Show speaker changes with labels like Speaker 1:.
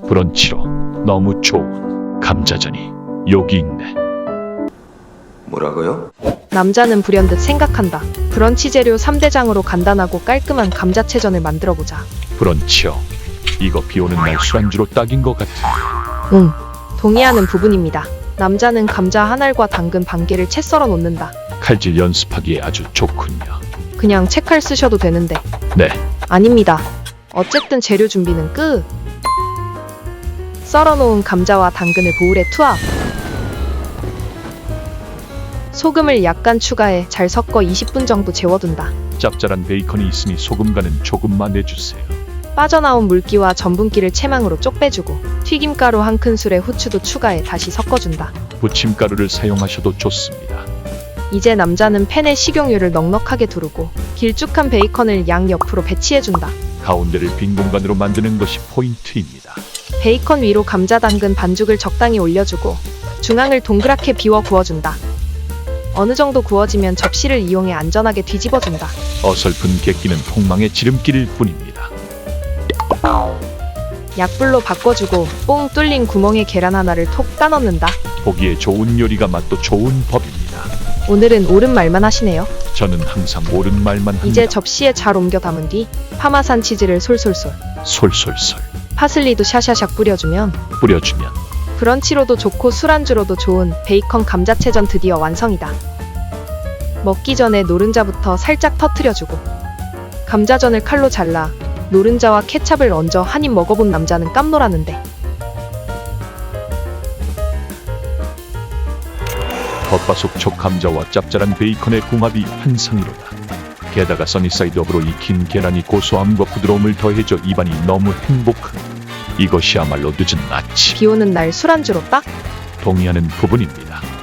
Speaker 1: 브런치로 너무 좋은 감자전이 여기 있네.
Speaker 2: 뭐라고요?
Speaker 3: 남자는 불현듯 생각한다. 브런치 재료 3대장으로 간단하고 깔끔한 감자채전을 만들어보자.
Speaker 1: 브런치요. 이거 비오는 날 술안주로 딱인 것 같아.
Speaker 3: 응, 동의하는 부분입니다. 남자는 감자 한 알과 당근 반 개를 채 썰어 놓는다.
Speaker 1: 칼질 연습하기에 아주 좋군요.
Speaker 3: 그냥 채칼 쓰셔도 되는데.
Speaker 1: 네,
Speaker 3: 아닙니다. 어쨌든 재료 준비는 끝. 썰어놓은 감자와 당근을 보울에 투합. 소금을 약간 추가해 잘 섞어 20분 정도 재워둔다.
Speaker 1: 짭짤한 베이컨이 있으니 소금 간은 조금만 내주세요.
Speaker 3: 빠져나온 물기와 전분기를 채망으로 쪽 빼주고 튀김가루 한 큰술에 후추도 추가해 다시 섞어준다.
Speaker 1: 부침가루를 사용하셔도 좋습니다.
Speaker 3: 이제 남자는 팬에 식용유를 넉넉하게 두르고 길쭉한 베이컨을 양 옆으로 배치해준다.
Speaker 1: 가운데를 빈 공간으로 만드는 것이 포인트입니다.
Speaker 3: 베이컨 위로 감자 당근 반죽을 적당히 올려주고 중앙을 동그랗게 비워 구워준다. 어느 정도 구워지면 접시를 이용해 안전하게 뒤집어준다.
Speaker 1: 어설픈 객기는 폭망의 지름길일 뿐입니다.
Speaker 3: 약불로 바꿔주고 뽕 뚫린 구멍에 계란 하나를 톡 까넣는다.
Speaker 1: 보기에 좋은 요리가 맛도 좋은 법입니다.
Speaker 3: 오늘은 옳은 말만 하시네요.
Speaker 1: 저는 항상 옳은 말만 합니다.
Speaker 3: 이제 접시에 잘 옮겨 담은 뒤 파마산 치즈를 솔솔솔,
Speaker 1: 솔솔솔
Speaker 3: 파슬리도 샤샤샥 뿌려주면
Speaker 1: 뿌려주면
Speaker 3: 브런치로도 좋고 술안주로도 좋은 베이컨 감자채전 드디어 완성이다. 먹기 전에 노른자부터 살짝 터트려주고 감자전을 칼로 잘라 노른자와 케찹을 얹어 한 입 먹어본 남자는 깜놀하는데
Speaker 1: 겉바속촉 감자와 짭짤한 베이컨의 궁합이 환상이로다. 게다가 써니사이드업으로 익힌 계란이 고소함과 부드러움을 더해줘 입안이 너무 행복한 이것이야말로 늦은 아침
Speaker 3: 비오는 날 술안주로 딱.
Speaker 1: 동의하는 부분입니다.